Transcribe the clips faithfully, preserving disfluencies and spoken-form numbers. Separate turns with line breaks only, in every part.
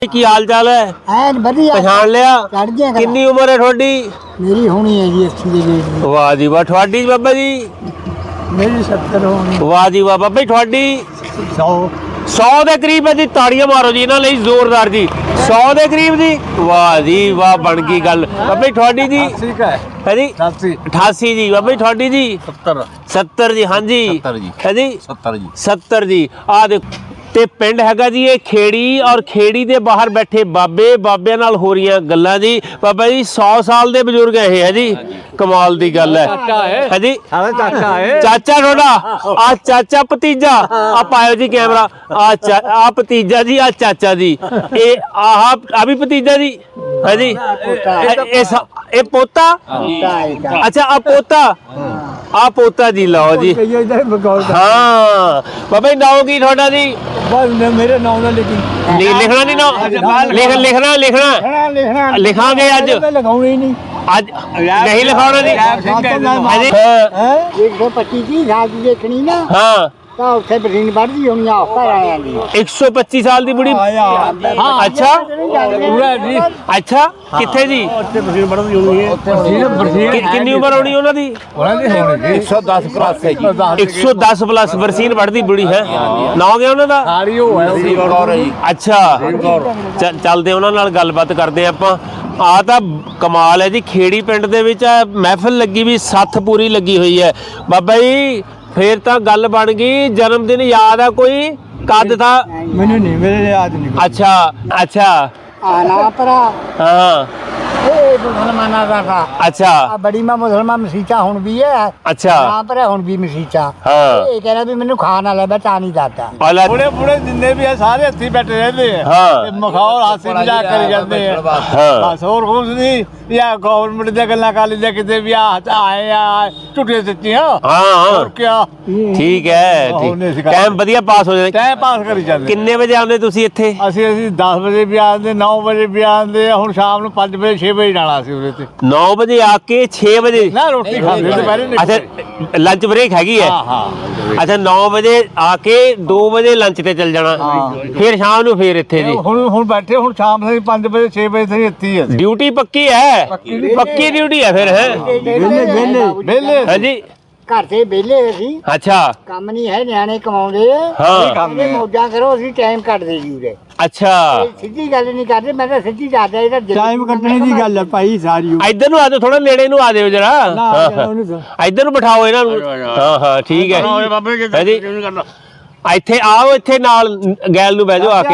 की हाल चाल है? पछाण लिया? कितनी उम्र है थोड़ी?
मेरी होनी है जी अस्सी के गेट दी।
वाह जी वाह। थोड़ी बाबा जी?
मेरी सत्तर होनी।
वाह जी वाह। बाबा जी थोड़ी?
सौ
सौ के करीब है जी। ताड़ियां मारो जी इन्होंने जोरदार जी। सौ के करीब जी। वाह जी वाह बन गई गल। बाबा जी थोड़ी जी? है जी अठासी जी। बाबा जी थोड़ी जी?
सत्तर
सत्तर जी। हाँ जी है जी
सत्तर जी
सत्तर जी। आ देखो ਤੇ ਪਿੰਡ ਹੈਗਾ ਜੀ ਇਹ ਖੇੜੀ ਔਰ ਖੇੜੀ ਦੇ ਬਾਹਰ ਬੈਠੇ ਬਾਬੇ ਬਾਬਿਆਂ ਨਾਲ ਹੋ ਰਹੀਆਂ ਗੱਲਾਂ ਜੀ। ਬਾਬਾ ਜੀ ਸੌ ਸਾਲ ਦੇ ਬਜ਼ੁਰਗ ਇਹ ਹੈ ਜੀ। ਕਮਾਲ ਦੀ ਗੱਲ ਹੈ। ਹੈ ਜੀ ਚਾਚਾ ਹੈ। ਚਾਚਾ ਤੁਹਾਡਾ ਆ ਚਾਚਾ ਭਤੀਜਾ ਆ ਪਾਇਓ ਜੀ ਕੈਮਰਾ। ਆ ਆ ਭਤੀਜਾ ਜੀ ਆ ਚਾਚਾ ਜੀ। ਇਹ ਆਹ ਆ ਵੀ ਭਤੀਜਾ ਜੀ ਹੈ ਜੀ। ਇਹ ਇਹ ਪੋਤਾ ਅੱਛਾ ਆ ਪੋਤਾ ਆ ਪੋਤਾ ਜੀ ਲਓ ਜੀ। ਹਾਂ ਬਾਬਾ ਜੀ ਨਾਮ ਕੀ ਤੁਹਾਡਾ ਜੀ?
मेरे नाम ना लिखी
लिखना नहीं ना लिख लिखना लिखना
लिखना
लिखांगे अज
लगाऊंगी नहीं
अज नहीं लिखाना नहीं।
एक सौ पच्चीस की घास देखनी ना
हाँ
उत्थे बरीन बढ़दी होनी हफ्ता आया नहीं
एक सौ पच्चीस साल की बुढ़ी। अच्छा अच्छा किथे जी कितनी उम्र होनी उन्हां दी?
एक सौ दस प्लस है जी।
एक सौ दस प्लस बरसीन बढ़दी बुढ़ी है। ना गया उन्हां दा? अच्छा चलते उन्हां नाल गलबात करते आपां। आ ਤਾਂ ਕਮਾਲ ਹੈ ਜੀ। ਖੇੜੀ ਪਿੰਡ ਦੇ ਵਿੱਚ ਮਹਿਫਲ ਲੱਗੀ ਵੀ ਸੱਥ ਪੂਰੀ ਲੱਗੀ ਹੋਈ ਹੈ ਬਾਬਾ ਜੀ। फिर तो गल बन गई। जन्मदिन याद है कोई? कद था?
मैंने नहीं मेरे याद नहीं।
अच्छा अच्छा
आना परा
हाँ
मुसलमाना का था।
अच्छा
बड़ी मां मुसलमान मसीचा हुन भी है।
अच्छा
यहाँ पर हुन भी मसीचा।
हाँ
ये कह रहा भी मैंने खाना ले बचा नहीं जाता।
बूढ़े बूढ़े जिन्ने भी है सारे हथी बैठे रहते हैं।
हाँ
मखौल हासी मजाक करी जाते हैं।
हाँ
बस और कुछ नहीं। या गवर्नमेंट दे गल्लां कर लीजिए किते भी आए या झूठे सच्ची।
हाँ हाँ
और क्या
ठीक है। टाइम ਵਧੀਆ ਪਾਸ ਹੋ ਜਾਂਦਾ।
ਟਾਈਮ ਪਾਸ ਕਰੀ ਜਾਂਦੇ।
ਕਿੰਨੇ ਵਜੇ ਆਉਂਦੇ ਤੁਸੀਂ ਇੱਥੇ?
ਅਸੀਂ ਅਸੀਂ ਦਸ ਵਜੇ ਵੀ ਆਉਂਦੇ, ਨੌ ਵਜੇ ਵੀ ਆਉਂਦੇ। ਹੁਣ ਸ਼ਾਮ ਨੂੰ ਪੰਜ ਵਜੇ ਛੇ ਵਜੇ ਜਾਣਾ ਸੀ ਉਹਦੇ ਤੇ।
नौ बजे आके छह बजे
ना रोटी खाते ਦੁਪਹਿਰੇ ਨਹੀਂ।
अच्छा लंच ब्रेक हैगी है।
हाँ हाँ
अच्छा नौ बजे आके दो बजे लंच ਤੇ ਚੱਲ ਜਾਣਾ। ਫਿਰ ਸ਼ਾਮ ਨੂੰ ਫਿਰ ਇੱਥੇ ਜੀ।
ਹੁਣ ਹੁਣ ਬੈਠੇ ਹੁਣ ਸ਼ਾਮ ਦੇ ਪੰਜ ਵਜੇ ਛੇ ਵਜੇ ਤੱਕ ਇੱਥੇ ਹੀ।
ड्यूटी पक्की है? पक्की ड्यूटी है फिर है?
वेले वेले
ਵਿਹਲੇ
हाँ जी
घर से वेले ਅਸੀਂ
अच्छा
ਕੰਮ ਨਹੀਂ ਹੈ ਨਿਆਣੇ ਕਮਾਉਂਦੇ
ਹਾਂ
ਕੰਮ ਮੌਜਾਂ ਕਰੋ ਅਸੀਂ ਟਾਈਮ ਕੱਢਦੇ ਜੀ ਉਰੇ।
अच्छा
ਸਿੱਧੀ ਗੱਲ ਨਹੀਂ ਕਰਦੇ ਮੈਂ ਤਾਂ ਸਿੱਧੀ ਦੱਸਦਾ ਇਹਦਾ ਟਾਈਮ ਕੱਢਣੇ ਦੀ ਗੱਲ ਹੈ ਭਾਈ ਸਾਰੀ।
ਇੱਧਰ ਨੂੰ ਆ ਜਾਓ ਥੋੜਾ ਨੇੜੇ ਨੂੰ ਆ ਜਾਓ ਜਰਾ। ਇੱਧਰ ਨੂੰ ਬਿਠਾਓ ਇਹਨਾਂ ਨੂੰ। ਹਾਂ ਹਾਂ ਠੀਕ ਹੈ ਹੈ ਜੀ। ਇੱਥੇ ਆਓ ਇੱਥੇ ਨਾਲ ਗੈਲ ਨੂੰ ਬਹਿ ਜਾਓ ਆ ਕੇ।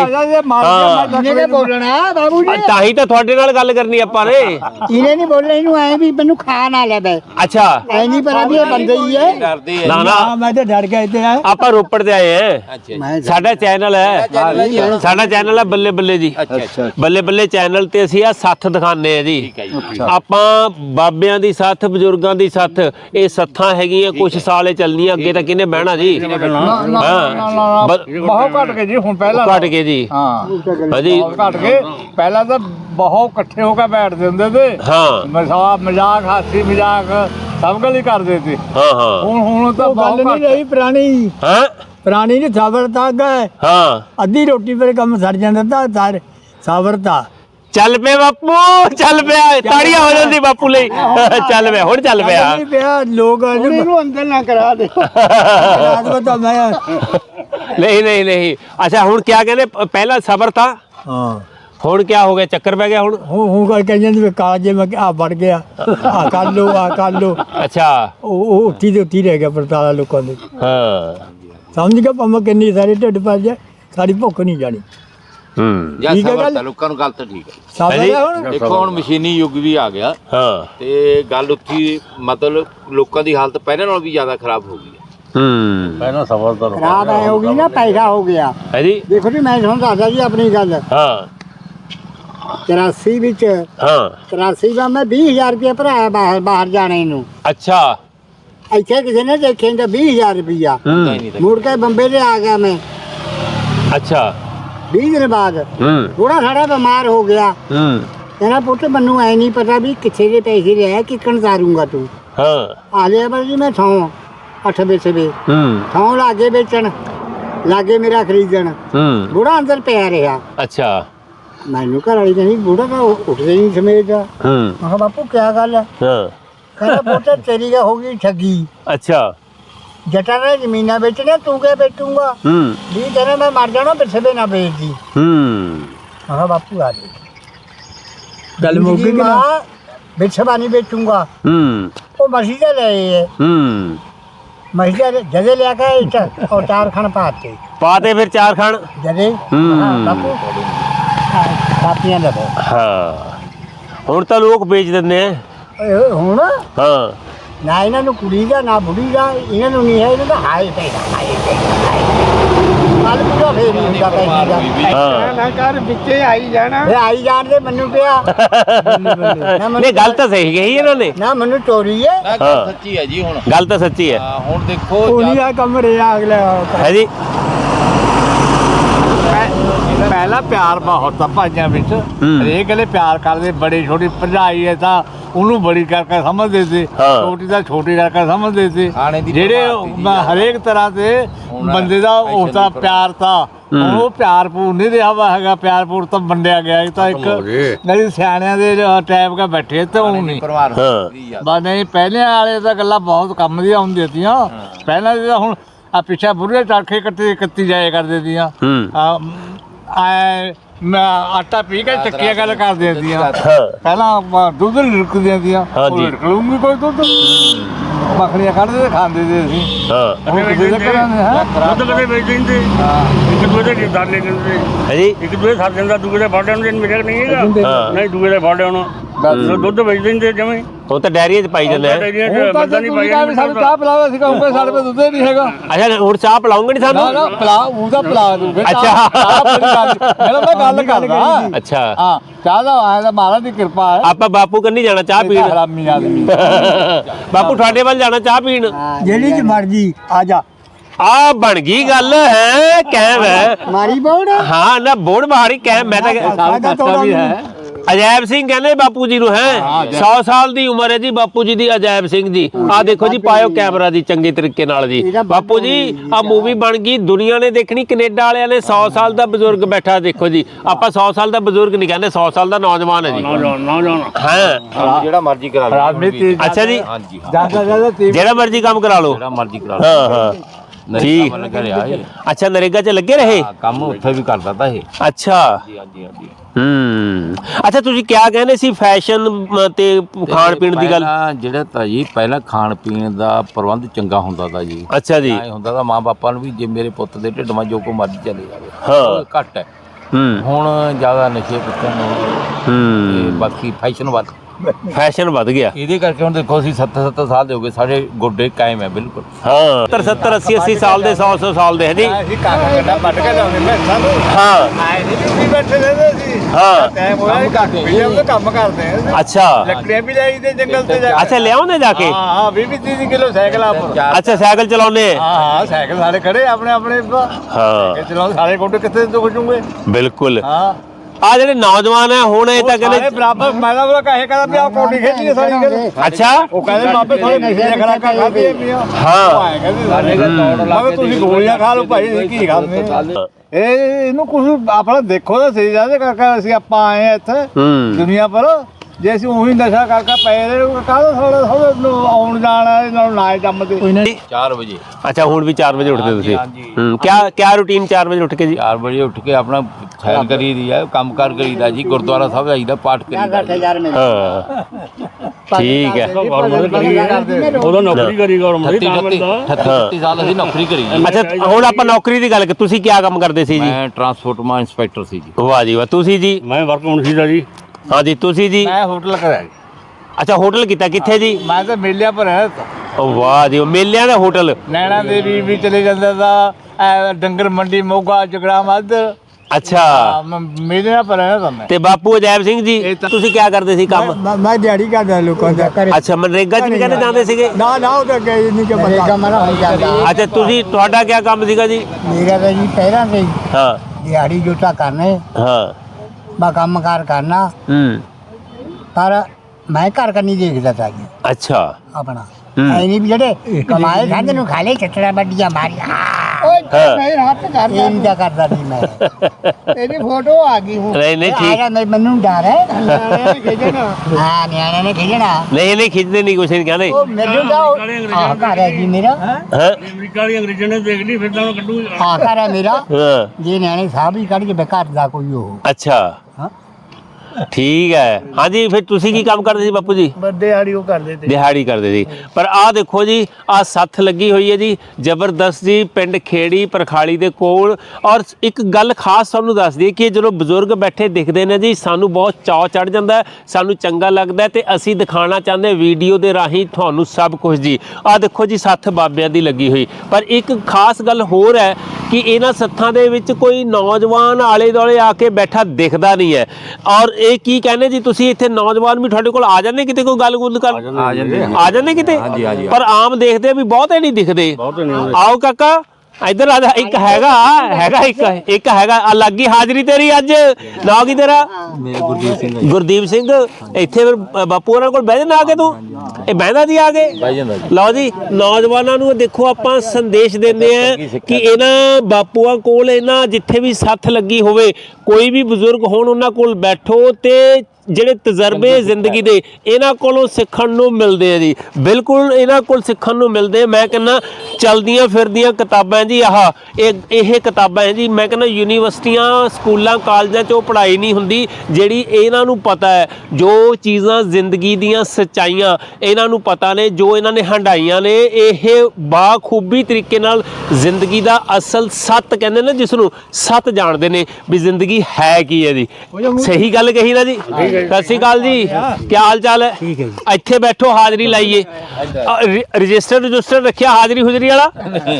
ਇਹਨੇ ਬੋਲਣਾ ਬਾਬੂ ਜੀ
ਤਾਂ ਹੀ ਤਾਂ ਤੁਹਾਡੇ ਨਾਲ ਗੱਲ ਕਰਨੀ ਆਪਾਂ ਨੇ।
ਇਹਨੇ ਨਹੀਂ ਬੋਲਣਾ ਇਹਨੂੰ ਐ ਵੀ ਮੈਨੂੰ ਖਾ ਨਾ ਲੈ ਬੈ।
ਅੱਛਾ
ਐ ਨਹੀਂ ਪਤਾ ਵੀ ਇਹ ਬੰਦੇ ਹੀ ਹੈ।
ਨਾ ਨਾ
ਮੈਂ ਤਾਂ ਡਰ ਗਿਆ ਇੱਥੇ ਆ।
ਆਪਾਂ ਰੋਪੜ ਤੇ ਆਏ ਆ। ਸਾਡਾ ਚੈਨਲ ਹੈ ਸਾਡਾ ਚੈਨਲ ਹੈ ਬੱਲੇ ਬੱਲੇ ਜੀ। ਬੱਲੇ ਬੱਲੇ ਚੈਨਲ ਤੇ ਅਸੀਂ ਆ ਸੱਥ ਦਿਖਾਉਂਦੇ ਆ ਜੀ। ਆਪਾਂ ਬਾਬਿਆਂ ਦੀ ਸੱਥ ਬਜ਼ੁਰਗਾਂ ਦੀ ਸੱਥ ਇਹ ਸੱਥਾਂ ਹੈਗੀਆਂ ਕੁਛ ਸਾਲੇ ਚੱਲਣੀਆਂ ਅੱਗੇ ਤਾਂ ਕਿਹਨੇ ਬਹਿਣਾ ਜੀ। ਹਾਂ
ਬਹੁਤ ਘਟ ਗਏ ਜੀ ਹੁਣ। ਪਹਿਲਾਂ
ਘਟ ਗਏ ਜੀ।
ਹਾਂ
ਹਾਂਜੀ
ਘਟ ਗਏ। ਪਹਿਲਾਂ ਤਾਂ ਬਹੁਤ ਇਕੱਠੇ ਹੋ ਕੇ ਬੈਠਦੇ ਹੁੰਦੇ ਤੇ।
ਹਾਂ
ਮਜ਼ਾਕ ਮਜ਼ਾਕ ਹਾਸੀ ਮਜ਼ਾਕ ਸਭ ਗੱਲ ਹੀ ਕਰਦੇ ਤੇ।
ਹਾਂ ਹਾਂ
ਹੁਣ ਹੁਣ ਤਾਂ
ਗੱਲ ਨਹੀਂ ਰਹੀ ਪੁਰਾਣੀ।
ਹਾਂ
ਪੁਰਾਣੀ ਨੇ ਸਾਬਰ ਤਾਂ ਗਏ।
ਹਾਂ
ਅੱਧੀ ਰੋਟੀ ਪਰ ਕੰਮ ਸੜ ਜਾਂਦਾ ਤਾਂ ਸਾਰੇ ਸਾਬਰ ਤਾਂ
ਚੱਲ ਪਿਆ ਬਾਪੂ ਚੱਲ ਪਿਆ। ਤਾੜੀਆਂ ਹੋ ਜਾਂਦੀ ਬਾਪੂ ਲਈ। ਚੱਲ ਪਿਆ ਹੁਣ ਚੱਲ ਪਿਆ।
ਨਹੀਂ ਪਿਆ ਲੋਕ ਇਹਨੂੰ ਅੰਦਰ ਨਾ ਕਰਾ ਦੇ। ਤਾਂ ਮੈਂ
ਨਹੀਂ ਨਹੀਂ ਨਹੀਂ ਅੱਛਾ ਹੁਣ ਕਿਆ ਕਹਿੰਦੇ ਪਹਿਲਾਂ ਸਬਰ ਤਾਂ
ਹਾਂ
ਹੁਣ ਕਿਆ ਹੋ ਗਿਆ ਚੱਕਰ ਪੈ ਗਿਆ ਹੁਣ?
ਹੁਣ ਹੁਣ ਕਰ ਕਹਿੰਦੇ ਵੀ ਕਾਲਜੇ ਮੈਂ ਆ ਵੜ ਗਿਆ ਆ ਕਰ ਲੋ ਆ ਕਰ ਲੋ।
ਅੱਛਾ
ਉਹ ਉਹ ਉੱਥੀ ਦੇ ਉੱਥੀ ਰਹਿ ਗਿਆ ਪਰਤਾਲਾ ਲੋਕਾਂ ਦੇ।
ਹਾਂ
ਸਮਝ ਗਿਆ ਭਾਵੇਂ ਕਿੰਨੀ ਸਾਰੇ ਢਿੱਡ ਭਰ ਜਾਏ ਸਾਡੀ ਭੁੱਖ ਨਹੀਂ ਜਾਣੀ।
ਹੂੰ
ਜਾਂ ਸਬਰ ਤਾਂ ਲੋਕਾਂ ਨੂੰ ਗੱਲ ਤਾਂ ਠੀਕ ਹੈ।
ਸਾਬਰ ਹੁਣ
ਦੇਖੋ ਹੁਣ ਮਸ਼ੀਨੀ ਯੁੱਗ ਵੀ ਆ ਗਿਆ।
ਹਾਂ
ਤੇ ਗੱਲ ਉੱਥੀ ਮਤਲਬ ਲੋਕਾਂ ਦੀ ਹਾਲਤ ਪਹਿਲਾਂ ਨਾਲੋਂ ਵੀ ਜ਼ਿਆਦਾ ਖਰਾਬ ਹੋ ਗਈ ਹੈ।
ਹੂੰ
ਪਹਿਲਾਂ ਸਬਰ ਤਾਂ
ਖਰਾਬ ਐ ਹੋ ਗਈ ਨਾ ਪੈਸਾ ਹੋ ਗਿਆ।
ਹੈ ਜੀ
ਦੇਖੋ ਜੀ ਮੈਂ ਤੁਹਾਨੂੰ ਦੱਸਦਾ ਜੀ ਆਪਣੀ ਗੱਲ।
ਹਾਂ
ਚੁਰਾਸੀ ਵਿੱਚ
ਹਾਂ
ਚੁਰਾਸੀ ਦਾ ਮੈਂ ਵੀਹ ਹਜ਼ਾਰ ਰੁਪਏ ਭਰਾਇਆ ਬਾਹਰ ਬਾਹਰ ਜਾਣੇ ਨੂੰ।
ਅੱਛਾ
ਇੱਥੇ ਕਿਸੇ ਨੇ ਦੇਖੇ ਤਾਂ ਵੀਹ ਹਜ਼ਾਰ ਰੁਪਈਆ
ਹੂੰ
ਮੁੜ ਕੇ ਬੰਬੇ ਤੇ ਆ ਗਿਆ ਮੈਂ
ਅੱਛਾ
ਵੀਹ ਦਿਨ ਬਾਅਦ।
ਹੂੰ
ਥੋੜਾ ਸਾਡਾ ਬਿਮਾਰ ਹੋ ਗਿਆ।
ਹੂੰ
ਕਹਿੰਦਾ ਪੁੱਤ ਮੈਨੂੰ ਐ ਨਹੀਂ ਪਤਾ ਵੀ ਕਿੱਥੇ ਦੇ ਪੈਸੇ ਲਿਆ ਕਿੱਕਣ ਤਾਰੂੰਗਾ ਤੂੰ।
ਹਾਂ
ਆ ਲਿਆ ਬਲ ਜੀ ਮੈਂ ਥਾਂ ਅੱਠ ਵੇਚੇ ਵੇ
ਹੂੰ
ਥਾਂ ਲਾਗੇ ਵੇਚਣ ਲਾਗੇ ਮੇਰਾ ਖਰੀਦਣ।
ਹੂੰ
ਬੁੜਾ ਅੰਦਰ ਪਿਆ ਰਿਹਾ।
ਅੱਛਾ
ਮੈਨੂੰ ਘਰ ਵਾਲੀ ਨਹੀਂ ਬੂੜਾ ਤਾਂ ਉੱਠਦੇ ਨਹੀਂ ਸਮੇਤ ਦਾ।
ਹੂੰ
ਮੈਂ ਕਿਹਾ ਬਾਪੂ ਕੀ ਗੱਲ ਹੈ?
ਹਾਂ
ਕਹਿੰਦਾ ਪੁੱਤ ਤੇਰੀ ਗਾ ਹੋ ਗਈ ਠੱਗੀ,
ਅੱਛਾ
ਜੱਟਾਂ ਨੇ ਜ਼ਮੀਨਾਂ ਵੇਚਣੀਆਂ ਤੂੰ ਕਿਆ ਵੇਚੂਗਾ?
ਹੂੰ
ਵੀ ਕਹਿੰਦਾ ਮੈਂ ਮਰ ਜਾਣਾ ਪਿੱਛੇ ਨਾ ਵੇਚਦੀ।
ਹੂੰ
ਮੈਂ ਕਿਹਾ ਬਾਪੂ ਆ ਦੇ ਗੱਲ ਮੁੱਕ ਗਈ ਨਾ, ਵਿਛਵਾ ਨਹੀਂ ਵੇਚੂਗਾ।
ਹੂੰ
ਉਹ ਮਸੀਹਾ ਲਏ
ਹੂੰ
ਮਸੀਹਾ ਜਦੇ ਲਿਆ ਕੇ ਇੱਟ ਔਰ ਚਾਰ ਖਣ ਪਾਤੇ
ਪਾਤੇ ਫਿਰ ਚਾਰ ਖਾਣ।
ਜਦੇ
ਹੂੰ।
ਹਾਂ ਬਾਪੂ ਕਾਪੀਆਂ ਲੈ ਲਓ।
ਹਾਂ ਹੁਣ ਤਾਂ ਲੋਕ ਵੇਚ ਦਿੰਦੇ ਆ।
ਓਏ ਹੁਣ
ਹਾਂ
ਨਾ ਇਹਨਾਂ ਨੂੰ ਕੁੜੀ ਦਾ ਨਾ ਬੁੜੀ ਦਾ, ਇਹਨਾਂ ਨੂੰ ਨਹੀਂ ਹੈ, ਇਹਨਾਂ ਦਾ ਹਾਈ ਪੈਦਾ ਹਾਈ ਕੱਲ ਪੂਰਾ ਫੇਰ ਹੀ ਹੁੰਦਾ ਪੈਸੇ ਦਾ।
ਹਾਂ
ਨਾ ਕਰ ਵਿੱਚੇ ਆਈ ਜਾਣਾ ਫੇ ਆਈ ਜਾਣ ਦੇ ਮੈਨੂੰ ਪਿਆ
ਨਹੀਂ ਗੱਲ ਤਾਂ ਸਹੀ ਕਹੀ ਇਹਨਾਂ ਨੇ।
ਨਾ ਮੈਨੂੰ ਚੋਰੀ ਹੈ।
ਨਾ ਗੱਲ ਸੱਚੀ ਹੈ ਜੀ ਹੁਣ
ਗੱਲ ਤਾਂ ਸੱਚੀ ਹੈ।
ਹਾਂ, ਹੁਣ ਦੇਖੋ
ਉਹ ਨਹੀਂ ਆ ਕਮਰੇ ਆ ਅਗਲੇ
ਹੈ ਜੀ।
ਪਹਿਲਾਂ ਪਿਆਰ ਬਹੁਤ ਆ ਭਾਈਆਂ ਵਿੱਚ,
ਹੂੰ।
ਹਰੇਕ ਗਲੇ ਪਿਆਰ ਕਰਦੇ, ਬੜੀ ਛੋਟੀ ਭਰਜਾਈ ਹੈ ਤਾਂ ਉਹਨੂੰ ਬੜੀ ਕਰਕੇ ਸਮਝਦੇ ਸੀ,
ਹਾਂ।
ਛੋਟੀ ਦਾ ਛੋਟੀ ਕਰਕੇ ਸਮਝਦੇ ਸੀ।
ਖਾਣੇ ਦੀ
ਜਿਹੜੇ
ਪਰਵਾਹ ਸੀ ਜੀ।
ਮ- ਹਰੇਕ ਤਰ੍ਹਾਂ ਦੇ
ਹੁਣ
ਬੰਦੇ ਦਾ
ਪੈਸੇ
ਉਸ ਦਾ
ਦੀ
ਪਿਆਰ ਤਾਂ
ਹੂੰ।
ਹੁਣ ਉਹ ਪਿਆਰ ਪੂਰ ਨਹੀਂ ਰਿਹਾ ਵਾ ਹੈਗਾ, ਪਿਆਰ ਪੂਰ ਤਾਂ ਵੰਡਿਆ ਗਿਆ। ਇਹ ਤਾਂ ਇੱਕ
ਖਤਮ ਹੋ ਗਏ।
ਨਹੀਂ ਸਿਆਣਿਆਂ ਦੇ ਟਾਈਪ ਕਾ ਬੈਠੇ ਤੇ ਉਹ ਨਹੀਂ
ਪਰਿਵਾਰ
ਹਾਂ।
ਬਸ ਨਹੀਂ, ਪਹਿਲਿਆਂ ਵਾਲੇ ਤਾਂ ਗੱਲਾਂ ਬਹੁਤ ਕੰਮ ਦੀਆਂ ਹੁੰਦੀਆਂ ਤੀਆਂ। ਪਹਿਲਾਂ ਦੀ ਤਾਂ ਹੁਣ ਆ ਪਿੱਛੇ ਬੁਰੇ ਚਰਖੇ ਕੱਟੀ ਕੱਤੀ ਜਾਇਆ ਕਰਦੇ ਤੀਆਂ।
ਹੂੰ
ਆ ਐ ਮੈਂ ਆਟਾ ਪੀ ਕੇ ਚੱਕੀਆਂ ਗੱਲ ਕਰ ਦਿੰਦੀਆਂ।
ਹਾਂ
ਪਹਿਲਾਂ ਆਪਾਂ ਦੁੱਧ ਲਿੜਕਦੀਆਂ ਦੀਆਂ,
ਹਾਂਜੀ।
ਲਿੜਕ ਲੂੰਗੀ ਕੋਈ ਦੁੱਧ, ਮੱਖਣੀਆਂ ਕੱਢਦੇ ਤੇ ਖਾਂਦੇ ਤੇ ਅਸੀਂ।
ਹਾਂ
ਹੁਣ ਕਿਸੇ ਦੇ ਘਰਾਂ ਦੇ ਹੈ
ਦੁੱਧ ਕਦੇ ਵੇਚ ਦਿੰਦੇ ਇੱਕ ਦੂਜੇ ਦੇ ਦਾਲ ਲੈ ਲੈਂਦੇ
ਹੈ ਜੀ।
ਇੱਕ ਦੂਜੇ ਸਾਥ ਦਿੰਦਾ ਦੂਜੇ ਦੇ ਫਾੜਿਆਂ ਨੂੰ ਮੇਰੇ ਨਹੀਂ ਹੈਗਾ
ਹਾਂ।
ਨਹੀਂ ਦੂਜੇ ਦੇ ਫਾੜਿਆਂ ਨੂੰ ਦੁੱਧ ਵੇਚ ਦਿੰਦੇ ਜਿਵੇਂ
ਉਹ ਤਾਂ ਡੈਰੀਆਂ 'ਚ ਪਾਈ ਜਾਂਦੇ ਆ।
ਡਾਇਰੀਆਂ
ਹੁਣ
ਚ
ਤਾਂ
ਬੰਦਾ
ਜੇ
ਨਹੀਂ
ਤੁਸੀਂ ਕਹਾਂ ਵੀ ਸਾਨੂੰ ਚਾਹ ਪਿਲਾਓ, ਅਸੀਂ ਕਹੂੰਗੇ ਸਾਡੇ ਕੋਲ ਦੁੱਧ ਹੀ ਨਹੀਂ ਹੈਗਾ।
ਅੱਛਾ ਹੁਣ ਚਾਹ ਪਿਲਾਉਂਗੇ ਨਹੀਂ
ਨਾ
ਸਾਨੂੰ?
ਨਾ ਪਿਲਾ ਉਹਦਾ ਪਿਲਾ ਦੂੰਗੇ।
ਅੱਛਾ।
ਚਾਹ ਬੜੀ ਗੱਲ ਮੇਰਾ ਮੈਂ ਗੱਲ ਕਰਦਾ।
ਅੱਛਾ
ਹਾਂ ਚਾਹ ਦਾ ਆਇਆ ਤਾਂ ਮਹਾਰਾਜ ਦੀ ਕਿਰਪਾ ਹੈ।
ਆਪਾਂ ਬਾਪੂ ਕੰਨੀ ਜਾਣਾ ਚਾਹ
ਇਹ
ਪੀਣ।
ਤਾਂ ਹਰਾਮੀ ਆਦਮੀ
ਬਾਪੂ ਤੁਹਾਡੇ ਵੱਲ ਜਾਣਾ ਚਾਹ ਪੀਣ।
ਜਿਹੜੀ ਚ ਮਰਜੀ ਆ ਜਾ
ਆ ਬਣ ਗਈ ਗੱਲ ਹੈ ਕਹਿਮ ਹੈ।
ਮਾਰੀ ਬੋੜ
ਹਾਂ ਨਾ ਬੋੜ ਬਾਹਰੀ ਕਹਿਮ। ਮੈਂ ਤਾਂ
ਸਾਡਾ ਤੋੜਾ ਵੀ ਹੈ।
ਅਜੈਬ ਸਿੰਘ ਕਹਿੰਦੇ ਬਾਪੂ ਜੀ ਨੂੰ ਹੈ। ਸੌ ਸਾਲ ਦੀ ਉਮਰ ਹੈ ਜੀ ਬਾਪੂ ਜੀ ਦੀ। ਅਜੈਬ ਸਿੰਘ ਜੀ ਆ ਦੇਖੋ ਜੀ, ਪਾਇਓ ਕੈਮਰਾ ਦੀ ਚੰਗੇ ਤਰੀਕੇ ਨਾਲ ਜੀ। ਬਾਪੂ ਜੀ ਆ ਮੂਵੀ ਬਣ ਗਈ, ਦੁਨੀਆ ਨੇ ਦੇਖਣੀ। ਕੈਨੇਡਾ ਵਾਲਿਆਂ ਨੇ ਸੌ ਸਾਲ ਦਾ ਬਜ਼ੁਰਗ ਬੈਠਾ ਦੇਖੋ ਜੀ। ਆਪਾਂ ਸੌ ਸਾਲ ਦਾ ਬਜ਼ੁਰਗ ਨਹੀਂ ਕਹਿੰਦੇ, ਸੌ ਸਾਲ ਦਾ ਨੌਜਵਾਨ ਹੈ ਜੀ।
ਨਾ ਜਾਣ ਨਾ ਜਾਣ
ਹਾਂ
ਜਿਹੜਾ ਮਰਜ਼ੀ ਕਰਾ ਲਓ
ਹਰਾਮੀ ਤੀਜ
ਅੱਛਾ ਜੀ,
ਹਾਂਜੀ ਹਾਂ,
ਜਿਆਦਾ ਜਿਆਦਾ ਤੀਜ
ਜਿਹੜਾ ਮਰਜ਼ੀ ਕੰਮ ਕਰਾ ਲਓ।
ਜਿਹੜਾ ਮਰਜ਼ੀ ਕਰਾ ਲਓ।
ਹਾਂ ਹਾਂ ਠੀਕ।
ਕੰਮ ਲੱਗਾ ਰਿਹਾ ਇਹ।
ਅੱਛਾ ਨਰੇਗਾ 'ਚ ਲੱਗੇ ਰਹੇ।
ਹਾਂ, ਕੰਮ ਉੱਥੇ ਵੀ ਕਰਦਾ ਤਾ ਇਹ।
ਅੱਛਾ
ਜੀ ਹਾਂਜੀ ਹਾਂਜੀ
ਹੂੰ ਅੱਛਾ ਤੁਸੀਂ ਕਿਆ ਕਹਿੰਦੇ ਸੀ ਫੈਸ਼ਨ ਤੇ ਖਾਣ ਪੀਣ ਦੀ ਗੱਲ?
ਪਹਿਲਾਂ ਜਿਹੜਾ ਤਾਂ ਜੀ ਪਹਿਲਾਂ ਖਾਣ ਪੀਣ ਦਾ ਪ੍ਰਬੰਧ ਚੰਗਾ ਹੁੰਦਾ ਤਾ ਜੀ।
ਅੱਛਾ ਜੀ।
ਐ ਹੁੰਦਾ ਤਾਂ ਮਾਂ ਬਾਪਾਂ ਨੂੰ ਵੀ ਜੇ ਮੇਰੇ ਪੁੱਤ ਦੇ ਢਿੱਡ ਮਾਂ ਜੋ ਕੋ ਮਰਜ਼ੀ ਚਲੇ ਜਾਵੇ,
ਹਾਂ।
ਉਹ ਘੱਟ ਹੈ।
ਹੂੰ
ਹੁਣ ਜ਼ਿਆਦਾ ਨਸ਼ੇ ਪੱਤਿਆਂ ਨੂੰ ਤੇ
ਹੂੰ
ਬਾਕੀ ਫੈਸ਼ਨ ਵੱਧ।
ਫੈਸ਼ਨ ਵੱਧ ਗਿਆ।
ਇਹਦੇ ਕਰਕੇ ਹੁਣ ਦੇਖੋ ਅਸੀਂ ਸੱਤਰ ਸੱਤਰ ਸਾਲ ਦੇ ਹੋ ਗਏ, ਸਾਡੇ ਗੋਡੇ ਕਾਇਮ ਹੈ ਬਿਲਕੁਲ।
ਹਾਂ ਸੱਤਰ ਸੱਤਰ ਅੱਸੀ ਅੱਸੀ ਸਾਲ ਦੇ, ਸੌ ਸੌ ਸਾਲ ਦੇ ਹੈ ਜੀ।
ਅਸੀਂ ਕਾਕਾ ਕੱਢਾ ਵੱਢ ਕੇ ਲਾਉਂਦੇ ਮੈਂ ਸਾਨੂੰ
ਹਾਂ
ਆਏ ਨਹੀਂ ਵੀ ਬੈਠੇ ਰਹਿੰਦੇ ਸੀ।
ਹਾਂ
ਟਾਈਮ ਹੋਇਆ ਕਾਕੇ ਵੀ ਉਹਦੇ ਕੰਮ ਕਰਦੇ ਆ।
ਅੱਛਾ
ਲੱਕੜੀਆਂ ਵੀ ਲੈ ਆਈਦੇ ਜੰਗਲ ਤੇ ਜਾ ਕੇ।
ਅੱਛਾ ਲਿਆਉਂਦੇ ਜਾ ਕੇ?
ਹਾਂ ਹਾਂ ਵੀਹ ਵੀਹ ਤੀਹ ਕਿਲੋ ਸਾਈਕਲ ਆ ਪਰ।
ਅੱਛਾ ਸਾਈਕਲ ਚਲਾਉਂਦੇ?
ਹਾਂ ਹਾਂ ਸਾਈਕਲ ਸਾਡੇ ਖੜੇ ਆਪਣੇ ਆਪਣੇ
ਹਾਂ
ਇਹ ਚਲਾਉਂਦੇ, ਸਾਰੇ ਗੋਡੇ ਕਿੱਥੇ ਦੁਖ ਜੂਗੇ।
ਬਿਲਕੁਲ।
ਹਾਂ
ਆ ਜਿਹੜੇ ਨੌਜਵਾਨ ਹੈ ਹੁਣ ਇਹ ਤਾਂ
ਸਾਰੇ
ਕਹਿੰਦੇ
ਬਰਾਬਰ ਮੈਂ ਤਾਂ ਬੋਲਾ ਕਹੇ ਕਹਿੰਦਾ ਵੀ ਆ ਕੋਟੀ ਖੇਡੀ ਸਾਰੀ ਗੱਲ।
ਅੱਛਾ
ਉਹ ਕਹਿੰਦੇ ਬਾਬੇ ਥੋੜੇ ਨਸ਼ੇ ਖਰਾ ਕਰ ਖਾਦੇ ਪੀਆਂ।
ਹਾਂ
ਉਹ ਆਏ ਕਹਿੰਦੇ ਸਾਡੇ ਦਾ ਦੌੜ ਲਾ ਕੇ ਤੁਸੀਂ ਗੋਲੀਆਂ ਖਾ ਲਓ ਭਾਈ, ਅਸੀਂ ਕੀ ਖਾਂਦੇ ਆ। ਇਹ ਇਹਨੂੰ ਕੁਝ ਆਪਣਾ ਦੇਖੋ ਤਾਂ ਸਹੀ ਜਾਂਦੇ ਕਰਕੇ ਅਸੀਂ ਆਪਾਂ ਆਏ ਆ ਇੱਥੇ
ਹੂੰ
ਦੁਨੀਆ ਪਰ। ਜੇ ਅਸੀਂ ਉਹੀ ਨਸ਼ਾ ਕਰਕੇ ਪਏ ਰਹੇ ਕਾਹਦਾ ਥੋੜਾ ਥੋੜਾ ਆਉਣ ਜਾਣਾ ਇਹਨਾਂ ਨੂੰ ਨਾ ਜੰਮਦੇ।
ਚਾਰ ਵਜੇ
ਅੱਛਾ ਹੁਣ ਵੀ ਚਾਰ ਵਜੇ ਉੱਠਦੇ ਤੁਸੀਂ?
ਹਾਂਜੀ।
ਹੂੰ ਕਿਆ ਕਿਆ ਰੂਟੀਨ ਚਾਰ ਵਜੇ ਉੱਠ ਕੇ ਜੀ?
ਚਾਰ ਵਜੇ ਉੱਠ ਕੇ ਆਪਣਾ ਸੈਰ ਕਰੀ ਦੀ ਹੈ, ਕੰਮ ਕਾਰ ਕਰੀਦਾ ਜੀ, ਗੁਰਦੁਆਰਾ ਸਾਹਿਬ ਜਾਈਦਾ, ਪਾਠ ਕਰੀਦਾ ਜੀ।
ਹਾਂ ਠੀਕ ਹੈ।
ਉਦੋਂ ਨੌਕਰੀ ਕਰੀ ਗੌਰਮੈਂਟ
ਅਠੱਤੀ ਅਠੱਤੀ ਅਠੱਤੀ ਅਠੱਤੀ ਸਾਲ ਅਸੀਂ ਨੌਕਰੀ ਕਰੀ ਜੀ।
ਅੱਛਾ ਹੁਣ ਆਪਾਂ ਨੌਕਰੀ ਦੀ ਗੱਲ ਕਰ, ਤੁਸੀਂ ਕਿਆ ਕੰਮ ਕਰਦੇ ਸੀ ਜੀ?
ਮੈਂ ਟਰਾਂਸਪੋਰਟ ਮਾ ਇੰਸਪੈਕਟਰ ਸੀ ਜੀ।
ਵਾਹ ਜੀ ਵਾਹ। ਤੁਸੀਂ ਜੀ?
ਮੈਂ ਵਰਕ ਮੁਨਸ਼ੀ ਦਾ ਜੀ।
ਹਾਂਜੀ ਤੁਸੀਂ ਜੀ?
ਮੈਂ ਹੋਟਲ ਕਰਿਆ ਜੀ।
ਅੱਛਾ ਹੋਟਲ ਕੀਤਾ ਕਿੱਥੇ ਜੀ?
ਮੈਂ ਤਾਂ ਮੇਲਿਆਂ ਪਰ ਹੈ।
ਉਹ ਵਾਹ ਜੀ, ਮੇਲਿਆਂ ਦਾ ਹੋਟਲ।
ਨੈਣਾ ਦੇਵੀ ਵੀ ਚਲੇ ਜਾਂਦਾ ਤਾਂ ਡੰਗਰ ਮੰਡੀ ਮੋਗਾ ਜਗਰਾ ਮੱਧ।
ਅੱਛਾ
ਮੇਰੇ ਨਾਲ ਪਰ ਹੈ ਤਾਂ ਮੈਂ।
ਤੇ ਬਾਪੂ ਅਜੈਬ ਸਿੰਘ ਜੀ ਤੁਸੀਂ ਕਿਆ ਕਰਦੇ ਸੀ ਕੰਮ?
ਮੈਂ ਦਿਹਾੜੀ ਕਰਦਾ ਲੋਕਾਂ ਦਾ।
ਅੱਛਾ ਮਨਰੇਗਾ 'ਚ ਵੀ ਕਹਿੰਦੇ ਜਾਂਦੇ ਸੀਗੇ?
ਨਾ ਨਾ ਉਹ ਤਾਂ ਗਏ ਨਹੀਂ ਕਿ ਬੰਦਾ ਮਰਾ ਹੋ ਜਾਂਦਾ।
ਅੱਛਾ ਤੁਸੀਂ ਤੁਹਾਡਾ ਕਿਆ ਕੰਮ ਸੀਗਾ ਜੀ?
ਮੇਰਾ ਤਾਂ ਜੀ ਪਹਿਲਾਂ ਤੇ
ਹਾਂ
ਦਿਹਾੜੀ ਜੋਤਾ ਕਰਨੇ,
ਹਾਂ
ਮੈਂ ਕੰਮ ਕਾਰ ਕਰਨਾ,
ਹੂੰ
ਪਰ ਮੈਂ ਘਰ ਕਰਨੀ ਦੇਖਦਾ ਤਾ ਜੀ
ਅੱਛਾ
ਆਪਣਾ।
ਹੂੰ।
ਐ ਨਹੀਂ ਵੀ ਜਿਹੜੇ ਕਮਾਏ ਖਾਂਦੇ ਨੂੰ ਖਾ ਲੈ ਚੱਟੜਾ ਵੱਡੀਆਂ ਮਾਰੀਆਂ।
ਹਾਂ।
ਮੈਂ ਹੱਥ ਕਰਦਾ ਇਹ ਨਹੀਂ ਕਰਦਾ ਨਹੀਂ ਮੈਂ ਤੇਰੀ ਫੋਟੋ ਆ ਗਈ ਹੁਣ
ਨਹੀਂ ਨਹੀਂ ਠੀਕ
ਆਇਆ ਮੈਨੂੰ ਡਰ ਹੈ ਨਿਆਣੇ ਨੇ ਖੇਡਣਾ ਹਾਂ ਨਿਆਣੇ ਨੇ ਖੇਡਣਾ
ਨਹੀਂ ਨਹੀਂ ਖਿੱਚਦੇ ਨਹੀਂ ਕੁਛ ਨਹੀਂ ਕਹਿੰਦੇ
ਉਹ ਮੈਨੂੰ ਜਾਓ ਆ ਘਰ ਹੈ ਜੀ ਮੇਰਾ
ਹਾਂ
ਅਮਰੀਕਾ ਵਾਲੀ ਅੰਗਰੇਜ਼ਾਂ ਨੇ ਦੇਖ ਲਈ ਫਿਰ ਤਾਂ ਕੱਢੂ
ਆ ਘਰ ਹੈ ਮੇਰਾ
ਹਾਂ
ਜੇ ਨਿਆਣੇ ਸਾਹਿਬ ਹੀ ਕੱਢ ਕੇ ਘਰ ਦਾ ਕੋਈ ਉਹ
ਅੱਛਾ
ਹਾਂ
ਠੀਕ ਹੈ ਹਾਂਜੀ ਫਿਰ ਤੁਸੀਂ ਕੀ ਕੰਮ ਕਰਦੇ ਸੀ ਬਾਪੂ ਜੀ
ਵੱਡੇ ਆੜੀ ਉਹ ਕਰਦੇ ਤੇ
ਦਿਹਾੜੀ ਕਰਦੇ ਸੀ ਪਰ ਆਹ ਦੇਖੋ ਜੀ ਆਹ ਸੱਥ ਲੱਗੀ ਹੋਈ ਹੈ ਜੀ ਜ਼ਬਰਦਸਤ ਜੀ ਪਿੰਡ ਖੇੜੀ ਪਰਖਾਲੀ ਦੇ ਕੋਲ ਔਰ ਇੱਕ ਗੱਲ ਖਾਸ ਤੁਹਾਨੂੰ ਦੱਸ ਦਈਏ ਕਿ ਜਦੋਂ ਬਜ਼ੁਰਗ ਬੈਠੇ ਦਿਖਦੇ ਨੇ ਜੀ ਸਾਨੂੰ ਬਹੁਤ ਚਾਅ ਚੜ ਜਾਂਦਾ ਸਾਨੂੰ ਚੰਗਾ ਲੱਗਦਾ ਤੇ ਅਸੀਂ ਦਿਖਾਉਣਾ ਚਾਹੁੰਦੇ ਵੀਡੀਓ ਦੇ ਰਾਹੀਂ ਤੁਹਾਨੂੰ ਸਭ ਕੁਝ ਜੀ ਆਹ ਦੇਖੋ ਜੀ ਸੱਥ ਬਾਬਿਆਂ ਦੀ ਲੱਗੀ ਹੋਈ ਪਰ ਇੱਕ ਖਾਸ ਗੱਲ ਹੋਰ ਹੈ ਕਿ ਇਹਨਾਂ ਸੱਥਾਂ ਦੇ ਵਿੱਚ ਕੋਈ ਨੌਜਵਾਨ ਆਲੇ ਦੁਆਲੇ ਆ ਕੇ ਬੈਠਾ ਦਿਖਦਾ ਨਹੀਂ ਹੈ ਔਰ ਇਹ ਕੀ ਕਹਿੰਦੇ ਜੀ ਤੁਸੀਂ ਇੱਥੇ ਨੌਜਵਾਨ ਵੀ ਤੁਹਾਡੇ ਕੋਲ ਆ ਜਾਂਦੇ ਕਿਤੇ ਕੋਈ ਗੱਲ ਗੁੱਲ ਕਰ
ਆ ਜਾਂਦੇ
ਆ ਜਾਂਦੇ ਕਿਤੇ
ਹਾਂਜੀ, ਹਾਂਜੀ।
ਪਰ ਆਮ ਦੇਖਦੇ ਆ ਵੀ ਬਹੁਤੇ ਨਹੀਂ ਦਿਖਦੇ ਆਓ ਕਾਕਾ ਇੱਧਰ ਆ ਜਾ ਇੱਕ ਹੈਗਾ ਹੈਗਾ ਇੱਕ ਇੱਕ ਹੈਗਾ ਆ ਲੱਗੀ ਹਾਜ਼ਰੀ ਤੇਰੀ ਅੱਜ ਨਾਂ ਕੀ ਤੇਰਾ
ਗੁਰਦੀਪ ਸਿੰਘ
ਗੁਰਦੀਪ ਸਿੰਘ ਇੱਥੇ ਫਿਰ ਬਾਪੂ ਉਹਨਾਂ ਕੋਲ ਬਹਿ ਜਾਣਾ ਆ ਕੇ ਤੂੰ ਇਹ ਬਹਿੰਦਾ ਜੀ ਆ ਕੇ
ਬਹਿ ਜਾਂਦਾ ਜੀ।
ਲਓ ਜੀ ਨੌਜਵਾਨਾਂ ਨੂੰ ਦੇਖੋ ਆਪਾਂ ਸੰਦੇਸ਼ ਦਿੰਦੇ ਆ ਕਿ ਇਹਨਾਂ ਬਾਪੂਆਂ ਕੋਲ ਇਹਨਾਂ ਜਿੱਥੇ ਵੀ ਸੱਥ ਲੱਗੀ ਹੋਵੇ ਕੋਈ ਵੀ ਬਜ਼ੁਰਗ ਹੋਣ ਉਹਨਾਂ ਕੋਲ ਬੈਠੋ ਤੇ ਜਿਹੜੇ ਤਜਰਬੇ ਜ਼ਿੰਦਗੀ ਦੇ ਇਹਨਾਂ ਕੋਲੋਂ ਸਿੱਖਣ ਨੂੰ ਮਿਲਦੇ ਆ ਜੀ ਬਿਲਕੁਲ ਇਹਨਾਂ ਕੋਲ ਸਿੱਖਣ ਨੂੰ ਮਿਲਦੇ ਮੈਂ ਕਹਿੰਦਾ ਚਲਦੀਆਂ ਫਿਰਦੀਆਂ ਕਿਤਾਬਾਂ ਜੀ ਆਹ ਇਹ ਇਹ ਕਿਤਾਬਾਂ ਹੈ ਜੀ ਮੈਂ ਕਹਿੰਦਾ ਯੂਨੀਵਰਸਿਟੀਆਂ ਸਕੂਲਾਂ ਕਾਲਜਾਂ 'ਚ ਉਹ ਪੜ੍ਹਾਈ ਨਹੀਂ ਹੁੰਦੀ ਜਿਹੜੀ ਇਹਨਾਂ ਨੂੰ ਪਤਾ ਹੈ ਜੋ ਚੀਜ਼ਾਂ ਜ਼ਿੰਦਗੀ ਦੀਆਂ ਸੱਚਾਈਆਂ ਇਹਨਾਂ ਨੂੰ ਪਤਾ ਨੇ ਜੋ ਇਹਨਾਂ ਨੇ ਹੰਡਾਈਆਂ ਨੇ ਇਹ ਬਾਖੂਬੀ ਤਰੀਕੇ ਨਾਲ ਜ਼ਿੰਦਗੀ ਦਾ ਅਸਲ ਸੱਤ ਕਹਿੰਦੇ ਨੇ ਜਿਸ ਨੂੰ ਸੱਤ ਜਾਣਦੇ ਨੇ ਵੀ ਜ਼ਿੰਦਗੀ ਹੈ ਕੀ ਹੈ ਜੀ ਸਹੀ ਗੱਲ ਕਹੀ ਨਾ ਜੀ ਸਤਿ ਸ਼੍ਰੀ ਅਕਾਲ ਜੀ ਕੀ ਹਾਲ ਚਾਲ ਹੈ ਠੀਕ ਹੈ ਜੀ ਇੱਥੇ ਬੈਠੋ ਹਾਜ਼ਰੀ ਲਾਈਏ ਰਜਿਸਟਰ ਰਜਿਸਟਰ ਰੱਖਿਆ ਹਾਜ਼ਰੀ ਹੁਜਰੀ ਵਾਲਾ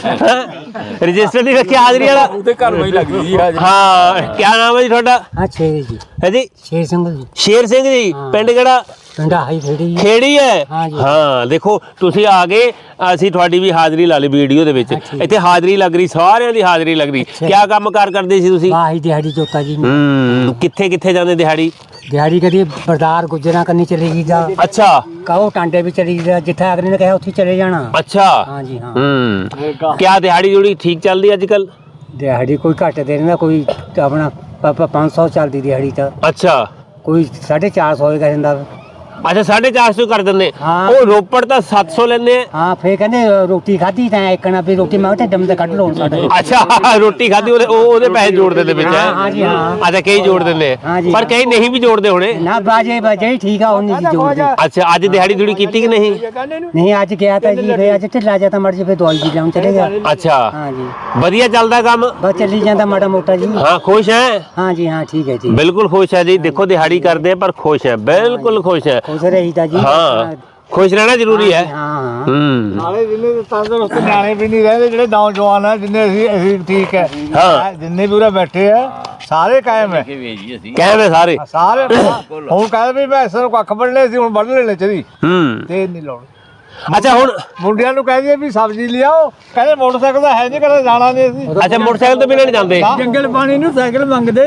ਰਜਿਸਟਰ ਨਹੀਂ ਰੱਖਿਆ ਹਾਜ਼ਰੀ ਵਾਲਾ
ਉਹਦੇ ਘਰ ਵਿੱਚ ਲੱਗਦੀ ਜੀ
ਹਾਂ ਕੀ ਨਾਮ ਹੈ ਜੀ ਤੁਹਾਡਾ
ਹਾਂ ਛੇ ਜੀ
ਹੈ ਜੀ
ਛੇ ਸਿੰਘ ਜੀ
ਸ਼ੇਰ ਸਿੰਘ ਜੀ ਪਿੰਡ ਕਿਹੜਾ
ਪਿੰਡਾ ਹਾਈ ਖੇੜੀ
ਖੇੜੀ ਹੈ
ਹਾਂ ਜੀ।
ਹਾਂ ਦੇਖੋ ਤੁਸੀਂ ਆ ਗਏ ਅਸੀਂ ਤੁਹਾਡੀ ਵੀ ਹਾਜ਼ਰੀ ਲਾ ਲਈ ਵੀਡੀਓ ਦੇ ਵਿੱਚ ਇੱਥੇ ਹਾਜ਼ਰੀ ਲੱਗ ਰਹੀ ਸਾਰਿਆਂ ਦੀ ਹਾਜ਼ਰੀ ਲੱਗ ਰਹੀ ਕੀ ਕੰਮ ਕਾਰ ਕਰਦੇ ਸੀ ਤੁਸੀਂ
ਵਾਹੀ ਦਿਹਾੜੀ ਜੋਤਾ ਜੀ
ਹੂੰ ਕਿੱਥੇ ਕਿੱਥੇ ਜਾਂਦੇ ਦਿਹਾੜੀ
ਦਿਹਾੜੀ ਕਦੀ ਬਰਦਾਰ ਗੁਜਰਾਂ ਕਰਨੀ ਚਲੇ ਜੀ ਦਾ
ਅੱਛਾ
ਕਹੋ ਟਾਂਡੇ ਵੀ ਚਲੀ ਜਾ ਜਿੱਥੇ ਅਗਲੇ ਨੇ ਕਿਹਾ ਉੱਥੇ ਚਲੇ ਜਾਣਾ
ਅੱਛਾ
ਹਾਂ ਜੀ ਹਾਂ
ਹੂੰ ਕਿਆ ਦਿਹਾੜੀ ਜੁੜੀ ਠੀਕ ਚੱਲਦੀ ਅੱਜ ਕੱਲ
ਦਿਹਾੜੀ ਕੋਈ ਘੱਟ ਦੇ ਦਿੰਦਾ ਕੋਈ ਆਪਣਾ ਪੰਜ ਸੌ ਚੱਲਦੀ ਦਿਹਾੜੀ ਤਾਂ
ਅੱਛਾ
ਕੋਈ ਸਾਢੇ ਚਾਰ ਸੌ ਹੀ ਕਹਿੰਦਾ
ਅੱਛਾ ਸਾਢੇ ਚਾਰ ਸੌ ਕਰ ਦਿੰਦੇ
ਹਾਂ।
ਉਹ ਰੋਪੜ ਤਾਂ ਸੱਤ ਸੌ ਲੈਂਦੇ ਆ
ਹਾਂ ਫੇਰ ਕਹਿੰਦੇ ਰੋਟੀ ਖਾਧੀ ਤਾਂ ਇੱਕਣਾ ਵੀ ਰੋਟੀ ਮੈਂ ਤੇ ਦਮ ਤੇ ਕੱਢ ਲਓ ਸਾਡੇ
ਅੱਛਾ ਰੋਟੀ ਖਾਧੀ ਉਹਦੇ ਉਹ ਉਹਦੇ ਪੈਸੇ ਜੋੜ ਦਿੰਦੇ ਵਿੱਚ
ਹਾਂ, ਹਾਂ ਜੀ, ਹਾਂ।
ਅੱਛਾ ਕਈ ਜੋੜ ਦਿੰਦੇ ਆ
ਹਾਂ ਜੀ,
ਪਰ
ਹਾਂ।
ਕਈ ਨਹੀਂ ਵੀ ਜੋੜਦੇ ਹੋਣੇ
ਨਾ ਬਾਜੇ ਬਾਜੇ ਠੀਕ ਆ ਉਹਨੇ ਜੀ ਜੋੜ ਦੇ
ਅੱਛਾ ਅੱਜ ਦਿਹਾੜੀ ਦੂੜੀ ਕੀਤੀ ਕਿ ਨਹੀਂ
ਨਹੀਂ ਅੱਜ ਗਿਆ ਤਾਂ ਜੀ ਫੇਰ ਅੱਜ ਢਿੱਲਾ ਜਾ ਤਾਂ ਮਰ ਜੇ ਫੇਰ ਦਵਾਈ ਵੀ ਲਾਉਣ ਚਲੇ ਗਿਆ
ਅੱਛਾ
ਹਾਂ ਜੀ
ਵਧੀਆ ਚੱਲਦਾ ਕੰਮ
ਬਸ ਚੱਲੀ ਜਾਂਦਾ ਮਾੜਾ ਮੋਟਾ ਜੀ
ਹਾਂ ਖੁਸ਼ ਹੈ
ਹਾਂ ਜੀ ਹਾਂ ਠੀਕ ਹੈ ਜੀ
ਬਿਲਕੁਲ ਖੁਸ਼ ਹੈ ਜੀ ਦੇਖੋ ਦਿਹਾੜੀ ਕਰਦੇ ਆ ਪਰ ਖੁਸ਼ ਹੈ ਬਿਲਕੁਲ ਖੁਸ਼ ਹੈ
ਖੁਸ਼ ਰਹੀਦਾ ਜੀ
ਹਾਂ ਖੁਸ਼ ਰਹਿਣਾ ਜ਼ਰੂਰੀ ਹੈ
ਹਾਂ ਹਾਂ
ਹੂੰ
ਨਾਲੇ ਜਿੰਨੇ ਤੰਦਰੁਸਤ ਨਿਆਣੇ ਵੀ ਨਹੀਂ ਰਹਿੰਦੇ ਜਿਹੜੇ ਨੌਜਵਾਨ ਆ ਜਿੰਨੇ ਅਸੀਂ ਅਸੀਂ ਠੀਕ ਹੈ
ਹਾਂ।
ਜਿੰਨੇ ਵੀ ਉਰੇ ਬੈਠੇ ਆ ਸਾਰੇ ਕਾਇਮ ਹੈ
ਕਹਿੰਦੇ ਸਾਰੇ
ਸਾਰੇ ਹੁਣ ਕਹਿੰਦੇ ਵੀ ਮੈਂ ਇਸ ਨੂੰ ਕੱਖ ਵੱਢਣੇ ਸੀ ਹੁਣ ਵੱਢ ਲੈਣੇ ਚਾਹੀਦੀ
ਹੂੰ
ਤੇ ਨਹੀਂ ਲਾਉਣੇ
ਅੱਛਾ ਹੁਣ
ਮੁੰਡਿਆਂ ਨੂੰ ਕਹਿ ਦਈਏ ਵੀ ਸਬਜ਼ੀ ਲਿਆਓ ਕਹਿੰਦੇ ਮੋਟਰਸਾਈਕਲ ਤਾਂ ਹੈ ਨਹੀਂ ਕਹਿੰਦੇ ਜਾਣਾ ਨਹੀਂ ਅਸੀਂ
ਅੱਛਾ ਮੋਟਰਸਾਈਕਲ ਤੋਂ ਬਿਨਾਂ ਨਹੀਂ ਜਾਂਦੇ
ਜੰਗਲ ਪਾਣੀ ਨੂੰ ਸਾਈਕਲ ਮੰਗਦੇ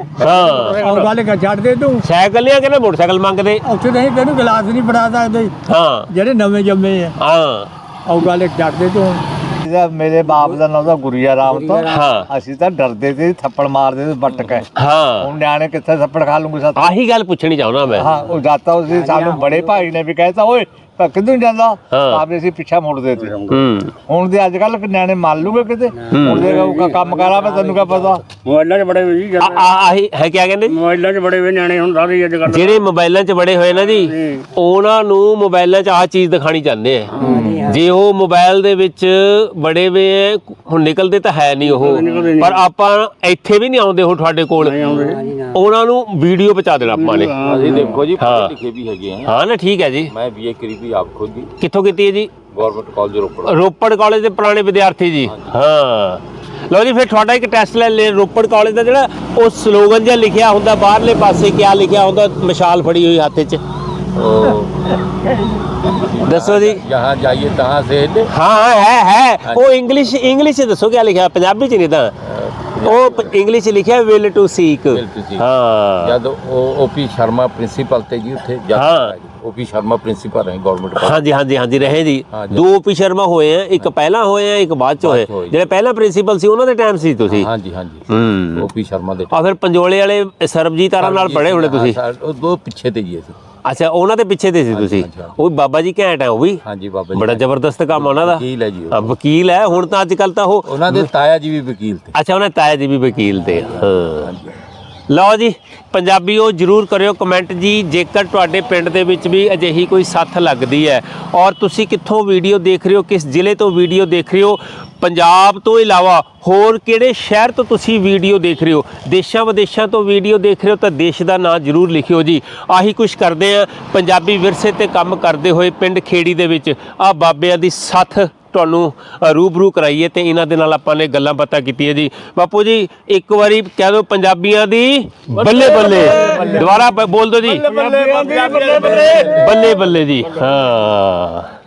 ਹਾਂ
ਔਰ ਗੱਲ ਕਰ ਛੱਡ ਦੇ ਤੂੰ
ਸਾਈਕਲ ਲਿਆ ਕਹਿੰਦੇ ਮੋਟਰਸਾਈਕਲ ਮੰਗਦੇ
ਉੱਥੇ ਨਹੀਂ ਤੈਨੂੰ ਗਲਾਸ ਨਹੀਂ ਫੜਾ ਸਕਦੇ
ਹਾਂ
ਜਿਹੜੇ ਨਵੇਂ ਜੰਮੇ ਆ
ਹਾਂ
ਉਹ ਗੱਲ ਛੱਡ ਦੇ ਤੂੰ
ਇਹਦਾ ਮੇਰੇ ਬਾਪ ਦਾ ਨਾਮ ਤਾਂ ਗੁਰੀਆ ਰਾਮ ਤੋਂ
ਹਾਂ
ਅਸੀਂ ਤਾਂ ਡਰਦੇ ਸੀ ਥੱਪੜ ਮਾਰਦੇ ਸੀ ਵੱਟ ਕੇ
ਹਾਂ
ਹੁਣ ਨਿਆਣੇ ਕਿੱਥੇ ਥੱਪੜ ਖਾ ਲੂੰਗੇ ਸਾਥ
ਆਹੀ ਗੱਲ ਪੁੱਛਣੀ ਚਾਹੁੰਦਾ ਮੈਂ
ਹਾਂ ਉਹ ਜਾਤਾ ਉਸੇ ਸਾਨੂੰ ਬੜੇ ਭਾਈ ਨੇ ਵੀ ਕਹਿਤਾ ਓਏ ਤਾਂ ਕਿੱਧਰ ਨੂੰ ਜਾਂਦਾ ਆਪੇ ਅਸੀਂ ਪਿੱਛਾ ਮੁੜਦੇ ਸੀ
ਹੂੰ
ਹੁਣ ਦੇ ਅੱਜ ਕੱਲ ਨਿਆਣੇ ਮੰਨ ਲੂਗੇ ਕਿਤੇ ਹੁਣ ਦੇ ਉਹ ਕੰਮ ਕਰਾ ਮੈਂ ਤੈਨੂੰ ਕਿਆ ਪਤਾ
ਮੋਬਾਈਲਾਂ 'ਚ ਬੜੇ ਹੋਏ ਜੀ
ਆ ਆ- ਆਹੀ ਹੈ ਕਿਆ ਕਹਿੰਦੇ
ਮੋਬਾਈਲਾਂ 'ਚ ਬੜੇ ਹੋਏ ਨਿਆਣੇ ਹੁਣ ਸਾਰੇ ਅੱਜ ਕੱਲ੍ਹ
ਜਿਹੜੇ ਮੋਬਾਈਲਾਂ 'ਚ ਬੜੇ ਹੋਏ ਨਾ ਜੀ ਉਹਨਾਂ ਨੂੰ ਮੋਬਾਈਲਾਂ 'ਚ ਆਹ ਚੀਜ਼ ਦਿਖਾਣੀ ਚਾਹੁੰਦੇ ਆ ਜੇ ਉਹ ਮੋਬਾਈਲ ਦੇ ਵਿੱਚ ਬੜੇ ਵੇ ਹੈ, ਹੁਣ ਨਿਕਲਦੇ ਤਾਂ ਹੈ ਨਹੀਂ ਉਹ ਪਰ ਆਪਾਂ ਇੱਥੇ ਵੀ ਨਹੀਂ ਆਉਂਦੇ ਹੁਣ ਤੁਹਾਡੇ ਕੋਲ ਉਹਨਾਂ ਨੂੰ ਵੀਡੀਓ ਪਹੁੰਚਾ ਦੇਣਾ ਆਪਾਂ ਨੇ
ਅਸੀਂ ਦੇਖੋ ਜੀ
ਹਾਂ।
ਪੜ੍ਹੇ ਲਿਖੇ ਵੀ ਹੈਗੇ ਆ
ਹਾਂ ਨਾ ਠੀਕ ਹੈ ਜੀ
ਮੈਂ ਬੀਏ ਕਰੀ ਵੀ ਆਪ ਖੁਦ ਹੀ
ਕਿੱਥੋਂ ਕੀਤੀ ਹੈ ਜੀ
government college Ropar
Ropar college ਦੇ ਪੁਰਾਣੇ ਵਿਦਿਆਰਥੀ ਜੀ ਹਾਂ ਲਓ ਜੀ ਫਿਰ ਤੁਹਾਡਾ ਇੱਕ ਟੈਸਟ ਲੈ ਲੈ ਰੋਪੜ ਕਾਲਜ ਦਾ ਜਿਹੜਾ ਉਹ ਸਲੋਗਨ ਜਿਹਾ ਲਿਖਿਆ ਹੁੰਦਾ ਬਾਹਰਲੇ ਪਾਸੇ ਕਿਆ ਲਿਖਿਆ ਹੁੰਦਾ ਮਸ਼ਾਲ ਫੜੀ ਹੋਈ ਹੱਥ 'ਚ ਦੱਸੋ ਜੀ
ਜਹਾਂ ਜਾਈਏ ਤਹਾਂ ਸੇ
ਹਾਂ ਹੈ ਹੈ ਉਹ ਇੰਗਲਿਸ਼ ਇੰਗਲਿਸ਼ 'ਚ ਦੱਸੋ ਕਿਆ ਲਿਖਿਆ ਪੰਜਾਬੀ 'ਚ ਨਹੀਂ ਤਾਂ ਉਹ ਇੰਗਲਿਸ਼ 'ਚ ਲਿਖਿਆ will to seek
Will to seek।
ਹਾਂ
ਜਦ ਉਹ ਓਪੀ ਸ਼ਰਮਾ ਪ੍ਰਿੰਸੀਪਲ ਤੇ ਜੀ ਉੱਥੇ
ਹਾਂ।
ਓਪੀ ਸ਼ਰਮਾ ਪ੍ਰਿੰਸੀਪਲ ਰਹੇ ਗਵਰਨਮੈਂਟ
ਹਾਂਜੀ ਹਾਂਜੀ ਹਾਂਜੀ ਰਹੇ ਜੀ
ਹਾਂਜੀ।
ਦੋ ਓਪੀ ਸ਼ਰਮਾ ਹੋਏ ਆ ਇੱਕ ਪਹਿਲਾਂ ਹੋਏ ਆ ਇੱਕ ਬਾਅਦ ਚ ਹੋਏ
ਬਾਅਦ 'ਚ ਹੋਏ।
ਜਿਹੜੇ ਪਹਿਲਾਂ ਪ੍ਰਿੰਸੀਪਲ ਸੀ ਉਹਨਾਂ ਦੇ ਟਾਈਮ ਸੀ ਤੁਸੀਂ
ਹਾਂਜੀ ਹਾਂਜੀ
ਹੂੰ
ਓਪੀ ਸ਼ਰਮਾ ਦੇ
ਆ ਫਿਰ ਪੰਜੋਲੇ ਵਾਲੇ ਸਰਬਜੀਤ ਆਰਾਂ ਨਾਲ ਪੜੇ ਹੋਣੇ ਤੁਸੀਂ
ਹਾਂ, ਸਰ, ਉਹ ਦੋ ਪਿੱਛੇ ਤੇ ਜੀ ਅਸੀਂ
ਅੱਛਾ ਉਹਨਾਂ ਦੇ ਪਿੱਛੇ ਤੇ ਸੀ ਤੁਸੀਂ
ਹਾਂਜੀ, ਹਾਂਜੀ।
ਉਹ ਵੀ ਬਾਬਾ ਜੀ ਘੈਂਟ ਹੈ ਉਹ ਵੀ
ਹਾਂਜੀ ਬਾਬਾ ਜੀ
ਬੜਾ ਜ਼ਬਰਦਸਤ ਕੰਮ ਆ ਉਹਨਾਂ ਦਾ
ਵਕੀਲ ਹੈ ਜੀ ਉਹ।
ਹਾਂ, ਵਕੀਲ ਹੈ ਹੁਣ ਤਾਂ ਅੱਜ ਕੱਲ ਤਾਂ ਉਹ
ਉਹਨਾਂ ਦੇ ਤਾਇਆ ਜੀ ਵੀ ਵਕੀਲ ਤੇ
ਅੱਛਾ ਉਹਨਾਂ ਤਾਇਆ ਜੀ ਵੀ ਵਕੀਲ ਤੇ ਹਾਂ
ਹਾਂਜੀ
ਲਓ ਜੀ ਪੰਜਾਬੀਓ ਜਰੂਰ ਕਰਿਓ ਕਮੈਂਟ ਜੀ ਜੇਕਰ ਤੁਹਾਡੇ ਪਿੰਡ ਦੇ ਵਿੱਚ ਵੀ ਅਜਿਹੀ ਕੋਈ ਸੱਥ ਲੱਗਦੀ ਹੈ ਔਰ ਤੁਸੀਂ ਕਿੱਥੋਂ ਵੀਡੀਓ ਦੇਖ ਰਹੇ ਹੋ ਕਿਸ ਜ਼ਿਲ੍ਹੇ ਤੋਂ ਵੀਡੀਓ ਦੇਖ ਰਹੇ ਹੋ ਪੰਜਾਬ ਤੋਂ ਇਲਾਵਾ ਹੋਰ ਕਿਹੜੇ ਸ਼ਹਿਰ ਤੋਂ ਤੁਸੀਂ ਵੀਡੀਓ ਦੇਖ ਰਹੇ ਹੋ ਦੇਸ਼ਾਂ ਵਿਦੇਸ਼ਾਂ ਤੋਂ ਵੀਡੀਓ ਦੇਖ ਰਹੇ ਹੋ ਤਾਂ ਦੇਸ਼ ਦਾ ਨਾਂ ਜ਼ਰੂਰ ਲਿਖਿਓ ਜੀ ਆਹੀ ਕੁਝ ਕਰਦੇ ਆ ਪੰਜਾਬੀ ਵਿਰਸੇ ਤੇ ਕੰਮ ਕਰਦੇ ਹੋਏ ਪਿੰਡ ਖੇੜੀ ਦੇ ਵਿੱਚ ਆ ਬਾਬਿਆਂ ਦੀ ਸੱਥ ਤੁਹਾਨੂੰ ਰੂਬਰੂ ਕਰਾਈਏ ਤੇ ਇਹਨਾਂ ਦੇ ਨਾਲ ਆਪਾਂ ਨੇ ਗੱਲਾਂ ਬਾਤਾਂ ਕੀਤੀਆਂ ਜੀ ਬਾਪੂ ਜੀ ਇੱਕ ਵਾਰੀ ਕਹਿ ਦਿਓ ਪੰਜਾਬੀਆਂ ਦੀ ਬੱਲੇ ਬੱਲੇ ਦੁਬਾਰਾ ਬ- ਬੋਲ ਦਿਓ ਜੀ
ਬੱਲੇ ਬੱਲੇ ਬੱਲੇ
ਬੱਲੇ ਬੱਲੇ ਜੀ ਹਾਂ